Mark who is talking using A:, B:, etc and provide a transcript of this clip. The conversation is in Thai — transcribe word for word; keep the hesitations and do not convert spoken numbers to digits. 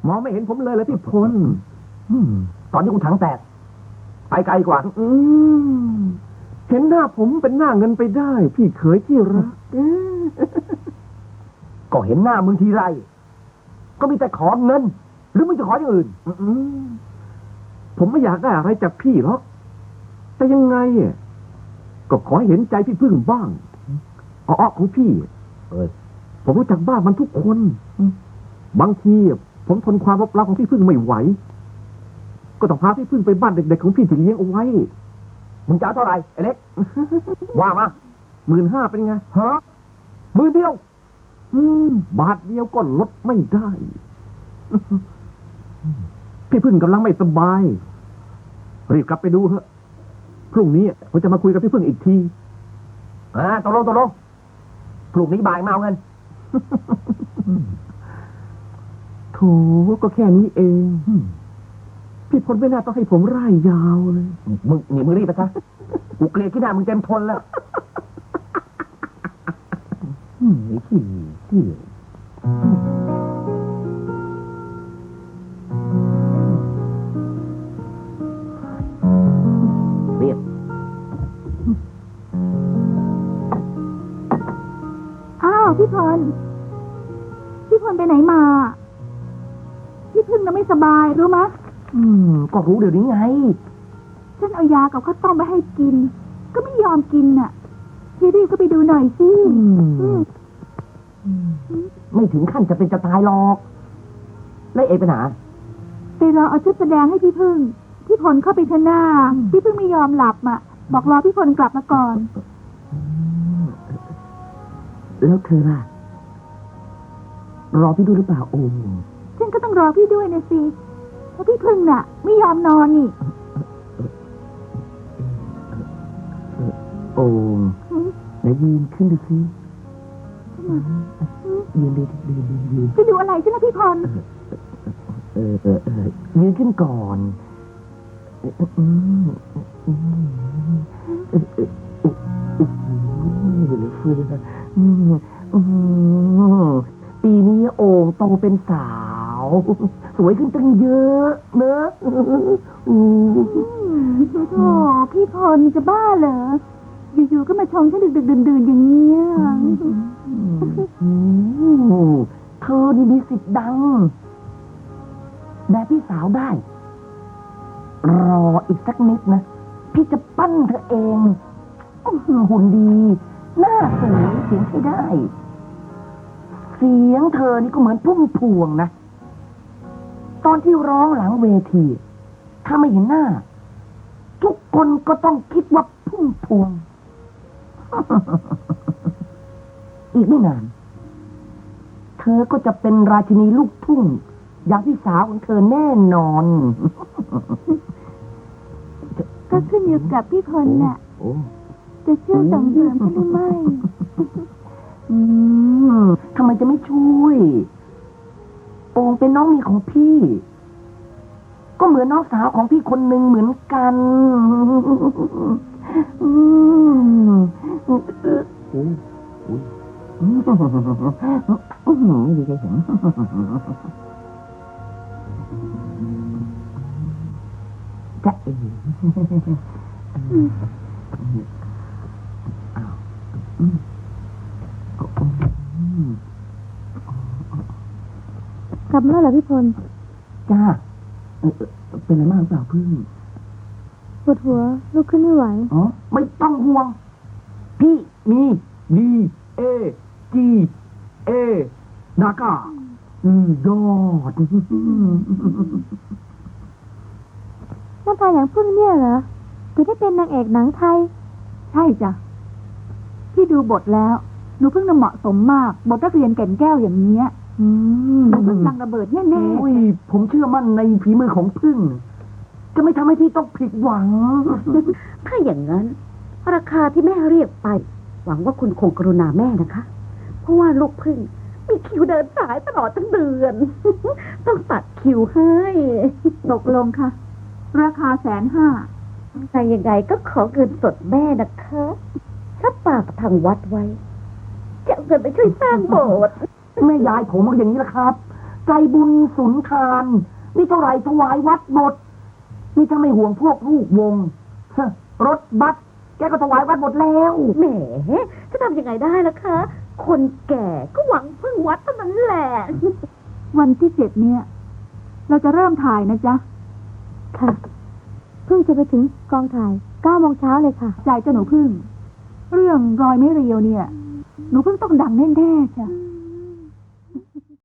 A: มองไม่เห็นผมเลยเลยพี่พล
B: ตอนที่คุณถังแตกไปไกลกว่า
A: อืมเห็นหน้าผมเป็นหน้าเงินไปได้พี่เขยที่รัก
B: ก็เห็นหน้ามึงทีไรก็มีแต่ขอเงินหรือมึงจะขออย่างอื่น
A: ผมไม่อยากได้อะไรจากพี่หรอกแต่ยังไงก็ขอเห็นใจพี่พึ่งบ้างอ้อของพี่
B: เออ
A: ผมรู้จักบ้านมันทุกคนบางทีผมทนความรักของพี่พึ่งไม่ไหวก็ต้องพาพี่พึ่งไปบ้านเด็กๆของพี่ที่เลี้ยงเอาไว้
B: มึงจะเท่าไหร่ไอ้เล็กว่ามา
A: หมื่นห้าเป็นไง
B: ฮะหมื่นเดียว
A: อืมบาทเดียวก็ลดไม่ได้พี่พึ่งกำลังไม่สบายรีบกลับไปดูเถอะพรุ่งนี้ผมจะมาคุยกับพี่พึ่งอีกที
B: อ่าตกลงตกลงพรุ่งนี้บ่ายมาเอาเงิน
A: โถก็แค่นี้เองพี่พลไม่น่าต้องให้ผมร่ายยาวเลย
B: มึงนี่มึงรีบไปซะกูเกลียดขี้หน้ามึงเต็มทนแล้ว
A: อืมที่ที่
B: เรียบ
C: อ้าวพี่พลพี่พลไปไหนมาพี่พึ่งน่ะไม่สบายรู้มะ
B: อืมก็รู้เดี๋ยวนี้ไง
C: ฉันเอายากับข้าวต้มไปให้กินก็ไม่ยอมกินน่ะพี่รีบก็ไปดูหน่อยสิ
B: ไม่ถึงขั้นจะเป็นจะตายหรอกแล้วเอไปไหน
C: ไปรอเอาชุดแสดงให้พี่พึ่งพี่พลเข้าไปทหน้าพี่พึ่งไม่ยอมหลับอ่ะบอกรอพี่พลกลับมาก่อน
B: แล้วเธอล่ะรอพี่ดูหรือเปล่าโอ้
C: ฉันก็ต้องรอพี่ด้วยนะสิเพราะพี่พึ่งน่ะไม่ยอมนอนนี่
B: โอ้ไหนยืนขึ้นดูสิยืนดูยืนยืนยืน
C: จะดูอะไรใช่ไหมพี่พล
B: เออเออเออยืนขึ้นก่อนปีนี้โอ่งโตเป็นสาวสวยขึ้นตั้งเยอะเนอะ
C: โอ้พี่พลจะบ้าเหรออยู่ๆก็มาชมฉันดึกๆดื่นๆอย่างเงี้ย
B: เธอนี่มีสิทธิ์ดังแบบพี่สาวได้รออีกสักนิดนะพี่จะปั้นเธอเองหุ่นดีหน้าสวยเสียงใช้ได้เสียงเธอนี่ก็เหมือนพุ่มพวงนะตอนที่ร้องหลังเวทีถ้าไม่เห็นหน้าทุกคนก็ต้องคิดว่าพุ่มพวงอีกไม่นานเธอก็จะเป็นราชินีลูกทุ่งอย่างพี่สาวของเธอแน่นอน
C: ก็ขึ้นอยู่กับพี่พลน่ะจะเชื่อส่งเสริมฉันหรือไม่
B: อืมทำไมจะไม่ช่วยโอ่งเป็นน้องมีของพี่ก็เหมือนน้องสาวของพี่คนหนึ่งเหมือนกันอืมอืมอืมไม่ดีใจเห็นจะเองอ้าว
C: กลับมาแล้วเหรอพี่พล
B: จ้าเป็นอะไรมากหรือเปล่าพึ่ง
C: ปวดหัวลุกขึ้นไม่ไหว
B: อ๋อไม่ต้องห่วงพี่มีดีเอจีเอดาก้าอืมยอด
C: หน้าตาอย่างพึ่งเนี่ยเหรอจะได้เป็นนางเอกหนังไทยใช่จ้ะพี่ดูบทแล้วหนูพึ่งน่ะเหมาะสมมากบทนักเรียนแก่นแก้วอย่างเนี้ยอืมพึ่งดังระเบิดแน่ๆ
B: โอ้ยผมเชื่อมั่นในฝีมือของพึ่งจะไม่ทำให้พี่ต้องผิดหวัง
D: ถ้าอย่างนั้นราคาที่แม่เรียกไปหวังว่าคุณคงกรุณาแม่นะคะเพราะว่าลูกพึ่งมีคิวเดินสายตลอดทั้งเดือนต้องตัดคิวให้
C: ตกลงค่ะราคาแสนห้า
D: ใครยังไงก็ขอเงินสดแม่นะคะถ้าปากทางวัดไว้จะเอาเงินไปช่วยสร้างโบสถ์
B: แม่ยายผมมันอย่างนี้แหละครับใจบุญสุนทานมีเท่าไหร่ถวายวัดหมดนี่ถ้าไม่ห่วงพวกลูกวงฮะรถบัสแกก็ถวายวัดหมดแล้ว
D: แหมจะทำยังไงได้ล่ะคะ คนแก่ก็หวังพึ่งวัดเท่านั้นแหละ
C: วันที่เจ็ดเนี่ย เราจะเริ่มถ่ายนะจ๊ะ ค่ะ เพิ่งจะไปถึงกองถ่ายเก้าโมงเช้าเลยค่ะใจเจ้าหนูพึ่ง เรื่องรอยไม่เรียวเนี่ย หนูพึ่งต้องดังแน่ๆจ้ะ